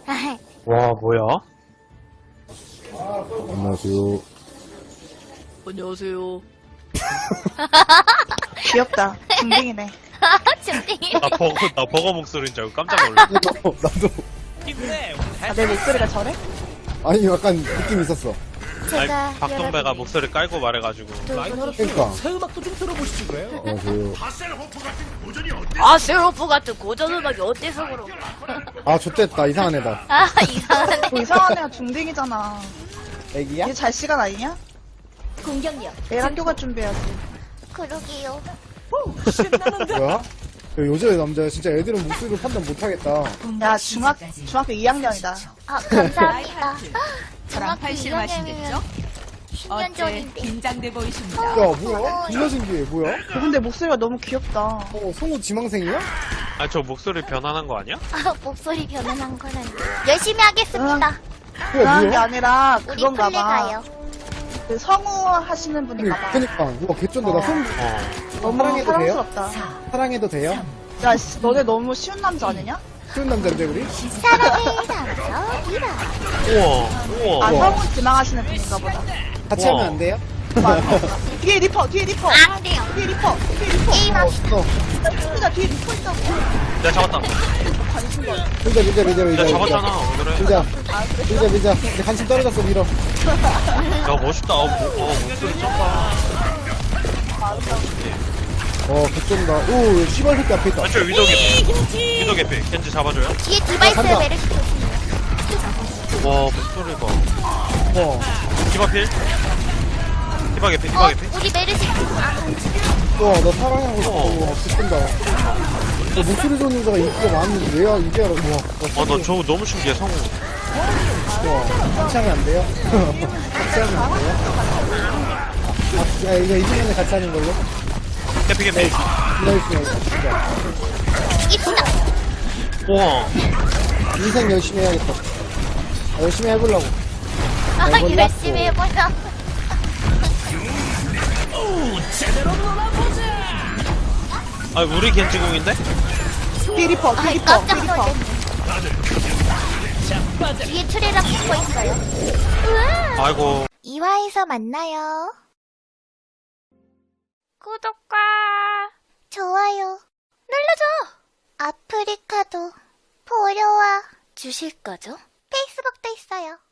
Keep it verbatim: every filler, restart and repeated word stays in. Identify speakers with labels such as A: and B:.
A: 와, 뭐야?
B: 안녕하세요.
C: 안녕하세요.
D: 귀엽다. 중딩이네.
C: 중딩이.
A: 나 버거, 나 버거 목소리인 줄 알고 깜짝 놀랐어.
B: 나도, 나도.
D: 아, 내 목소리가 저래?
B: 아니, 약간 느낌 있었어.
C: 제가
A: 아니, 박동배가 목소리 깔고 말해가지고.
B: 그러니까.
E: 새 음악도 좀 들어보시지 그래요?
B: 안녕하세요.
C: 아 셀로프 같은 고전 음악이 어때서 그런?
B: 아, 좋됐다. 이상한 애다.
C: 아 이상하네.
D: 뭐 이상한 애가 중딩이잖아.
B: 애기야?
D: 얘 잘 시간 아니냐?
C: 공격력.
D: 내일 학교 갈 준비해야지.
C: 그러게요.
B: 뭐야? 야, 여자 남자 진짜 애들은 목소리로 판단 못하겠다.
D: 야, 중학, 중학교 이 학년이다.
C: 아 감사합니다.
F: 저랑 팔씨름하시겠죠?
C: 십 년
F: 어째
C: 전인데.
F: 긴장돼 보이십니다.
B: 야, 뭐야? 존나 신기해. 뭐야?
D: 어, 근데 목소리가 너무 귀엽다.
B: 어, 성우 지망생이야?
A: 아, 저 목소리 변환한 거 아니야?
C: 아 목소리 변환한 거는 열심히 하겠습니다.
B: 뭐야,
D: 그런 게
B: 뭐야?
D: 아니라
C: 우리
D: 그건가
C: 플레
D: 봐.
C: 가요.
D: 그 성우 하시는 분인가 봐.
B: 그니까. 우와, 개쩐다. 나 손,
A: 어.
D: 너무
B: 사랑해도 돼요?
D: 사랑스럽다.
B: 사랑해도 돼요?
D: 야, 씨, 너네 너무 쉬운 남자 아니냐?
B: 쉬운 남자인데, 우리?
C: 사랑의 남자 이라.
A: 우와,
D: 아,
A: 우와.
D: 성우 지망하시는 분인가 보다.
B: 같이
A: 우와.
B: 하면 안 돼요?
D: 뒤에 리퍼, 뒤에 리퍼.
C: 안 돼요.
D: 뒤에 리퍼, 뒤에 리퍼.
C: 게임합시다.
B: 어,
D: 야, 뒤에 리퍼 있다고.
A: 내가 잡았다.
D: 관심 거.
B: 밀자, 밀자, 밀자, 밀자.
A: 내가 잡았잖아, 오늘은.
B: 밀자. 밀자, 밀자. 내 관심 떨어졌어, 밀어.
A: 야, 멋있다. 어, 뭐, 어, 목소리 쩐다.
B: 어, 개쩐다. 오, 씨발 새끼 앞에 있다.
A: 아, 저 위도 개피. 위도 개피. 겐지 잡아줘요.
C: 뒤에 디바이스
B: 간다.
C: 메르시 조심해요.
A: 와, 목소리가.
B: 어.
A: 디바필? 디바 개피, 디바
C: 어
A: 개피.
C: 우리 메르시. 아
B: 와, 나 사랑하고 싶어.
A: 어.
B: 와, 개쩐다. 야, 목소리 좋은 여자가 인기가 많은데, 왜야, 이게 알아. 와,
A: 아, 나 저거 너무 신기해, 성우.
B: 와, 같이 하면 안 돼요? 같이 하면 안 돼요? 아, 야, 이거 이기면 같이 하는 걸로?
A: 개피, 개피.
B: 기다리시면 진짜.
C: 이쁘다.
A: 우와.
B: 인생 열심히 해야겠다. 아, 열심히 해보려고.
C: 아
B: 몰랐어.
C: 열심히 해보자.
A: 아, 우리 겐지공인데?
D: 뒤에 리퍼, 뒤에
C: 아
D: 리퍼,
C: 깜짝
D: 뒤에 리퍼.
C: 놀랐네. 뒤에 트레랑 붙어 있어요. 우와.
A: 아이고.
C: 이 화에서 만나요. 구독과 좋아요 눌러줘. 아프리카도 보러 와 주실 거죠? 페이스북도 있어요.